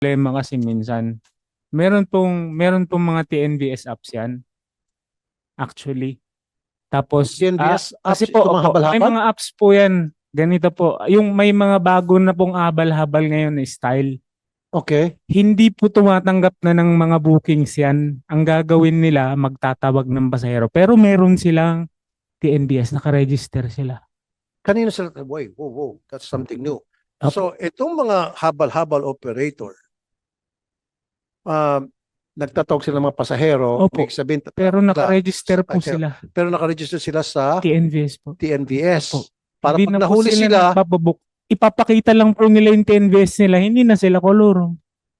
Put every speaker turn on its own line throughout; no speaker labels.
problema kasi minsan, meron pong mga TNVS apps yan, actually. Tapos,
TNVS
kasi
apps,
po,
ito mga
opo, may
habal-habal?
mga apps po yan. Ganito po, yung may mga bago na pong abal-habal ngayon na style.
Okay.
Hindi po tumatanggap na ng mga bookings yan. Ang gagawin nila, magtatawag ng pasahero. Pero meron silang TNVS, nakaregister sila.
Kanino sila, wait, whoa, whoa, that's something new.
Opo.
So, itong mga habal-habal operator, um, nagtatawag sila ng mga pasahero,
Opo.
may sabihin,
Pero nakaregister po
sakay kayo.
sila.
Pero nakaregister sila sa
TNVS po. Opo.
TNVS. Para
Hindi
pag
na po
nahuli
sila
sila,
nagpapabook. Ipapakita lang po nila yung TNVS nila. Hindi na sila kolor.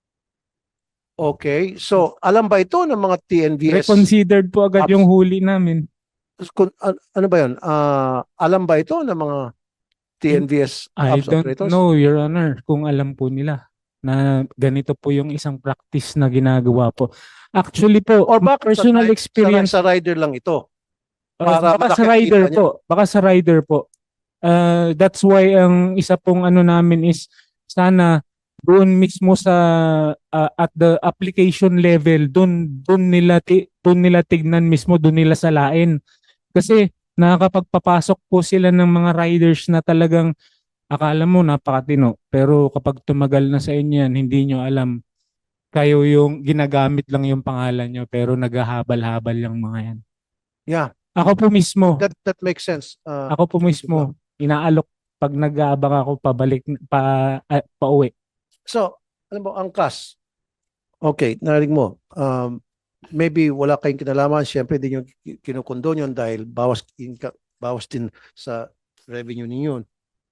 okay. So, alam ba ito ng mga TNVS?
Reconsidered po agad yung
Apps?
huli namin.
Ano ba yun? Alam ba ito ng mga
In-
TNVS
I
apps
don't
operators?
know, Your Honor, kung alam po nila na ganito po yung isang practice na ginagawa po. Actually po,
Or bakit
personal experience,
sa rider lang ito? Para
baka sa
malaki ang kita
rider
niya.
po, baka sa rider po. That's why ang isa pong ano namin is sana doon mismo sa at the application level doon nila tignan mismo doon nila salain kasi nakakapagpapasok po sila ng mga riders na talagang akala mo napakatino pero kapag tumagal na sa inyo yan hindi nyo alam kayo yung ginagamit lang yung pangalan nyo pero naghahabal-habal yung mga yan.
Yeah,
Ako po mismo,
that makes sense.
ako po mismo inaalok pag nag-aabang ako pabalik pauwi.
So, alam mo, angkas. Okay, narinig mo. Maybe wala kayong kinalaman. Siyempre, din yung kinukondon yun dahil bawas din sa revenue ninyo.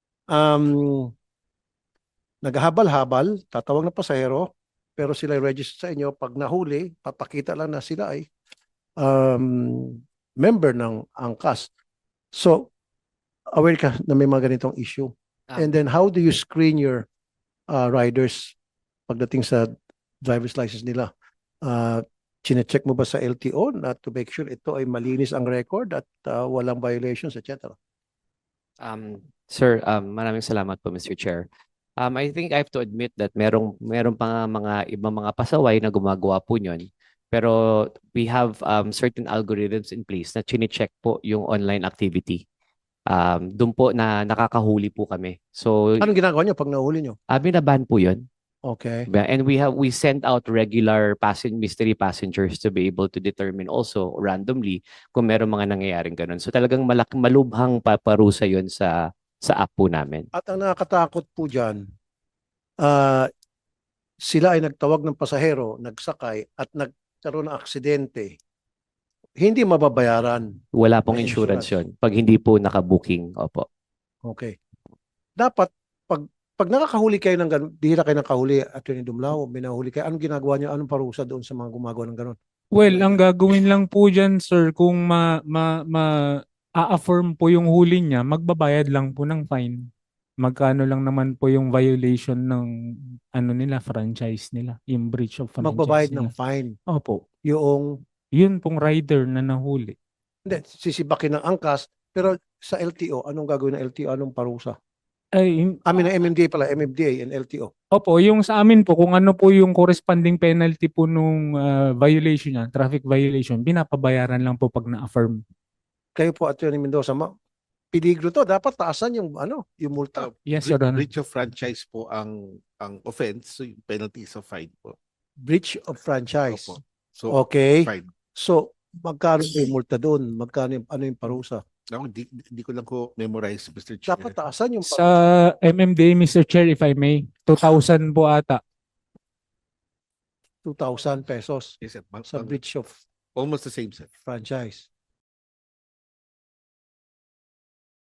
Naghahabal-habal, tatawag ng pasahero, pero sila register sa inyo. Pag nahuli, papakita lang na sila ay member ng angkas. So, aware ka na may mga ganitong issue. And then, how do you screen your riders pagdating sa driver's license nila? Chine-check mo ba sa LTO na to make sure ito ay malinis ang record at walang violations, etc.?
Sir, maraming salamat po, Mr. Chair. I think I have to admit that meron pa nga mga ibang mga pasaway na gumagawa po niyon. Pero we have certain algorithms in place na chine-check po yung online activity. Doon po na nakakahuli po kami. So,
Anong ginagawa nyo pag nahuli nyo?
binaban po yun.
Okay.
And we sent out regular mystery passengers to be able to determine also randomly kung meron mga nangyayaring ganun. So talagang malubhang paparusa yun sa app po namin.
At ang nakakatakot po dyan, sila ay nagtawag ng pasahero, nagsakay at nagkaroon ng aksidente. Hindi mababayaran.
Wala pong
May
insurance
insurance.
yun pag hindi po nakabooking. Opo.
Okay. Dapat, pag nakakahuli kayo ng ganun, bihira kayo nakahuli, Atty. Dumlao, may nahuli kayo, anong ginagawa nyo? Anong parusa doon sa mga gumagawa ng ganun?
Well, ang gagawin lang po dyan, sir, kung a-affirm po yung huli niya, magbabayad lang po ng fine. Magkano lang naman po yung violation ng ano nila, franchise nila, yung breach of franchise
Magbabayad ng
nila.
fine.
Opo,
Yung,
yun pong rider na nahuli.
hindi, sisibakin ng angkas, pero sa LTO, anong gagawin ng LTO? Anong parusa?
Ay,
Amin ng MMDA pala, MMDA and LTO.
opo, yung sa amin po, kung ano po yung corresponding penalty po nung violation niya, traffic violation, binapabayaran lang po pag na-affirm.
Kayo po, Atty. Mendoza, peligro to. Dapat taasan yung, yung multa.
Yes, Your Honor.
Breach of franchise po ang offense, so yung penalty is a fine po.
Breach of franchise.
Opo. So,
Okay.
fine.
So, magkano yung multa doon? Magkano ano yung parusa?
Ako, di ko lang ko memorize, Mr. Chair.
Dapat taasan yung
Sa MMDA, Mr. Chair, if I may, 2,000 po ata.
2,000 pesos
Yes, sir.
sa breach of
Almost the same, sir.
franchise.